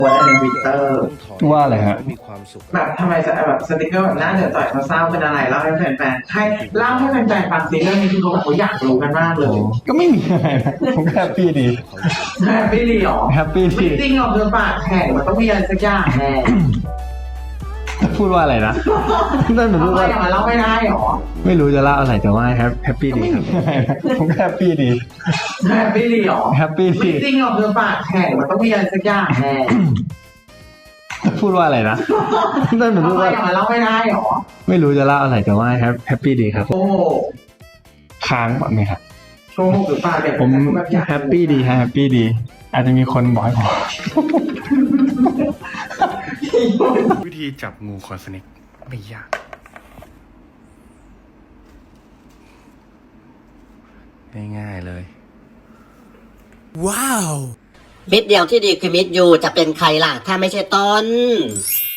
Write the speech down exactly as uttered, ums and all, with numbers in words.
วันในทวิตเตอร์ว่าอะไรฮะแบบทำไมจะแบบสติกเกอร์แบบหน้าเดือดต่อยเขาเศร้าเป็นอะไรเล่าให้แฟนๆให้เล่าให้แฟนๆฟังสิเรื่องนี้คือเขาแบบเขาอยากรู้กันมากเลยก็ไม่มีอะไรนะผมแฮปปี้ดีแฮปปี้ดีหรอแฮปปี้ดีจริงหรอเดือปากแข็งมันต้องมีอะไรสักอย่างแน่พูดว่าอะไรนะนั่นหนูทำพูดไมว่าอย่างนั้นเล่าไม่ได้หรอไม่รู้จะเล่าอะไรแต่ว่าแฮปแฮปปี้ดีครับผมแฮปปี้ดีแฮปปี้ดีหรอแฮปปี้ดีจริงหรอเดือปากแข็งมันต้องมีอะไรสักอย่างแน่พูดว่าอะไรนะนั่นหนูทำพูดไมว่าอย่างนั้นเล่าไม่ได้หรอไม่รู้จะเล่าอะไรแต่ว่าแฮปแฮปปี้ดีครับโอ้ค้างก่อนไหมครับโชว์หรือเปล่าเนี่ยผมแบบอยากแฮปปี้ดีฮะแฮปปี้ดี อาจจะมีคนบอกให้ผมวิธีจับงูคอนสเน็กไม่ยาก ง่ายๆเลยมิตรเดียวที่ดีคือมิตรยูจะเป็นใครล่ะ ถ้าไม่ใช่ต้น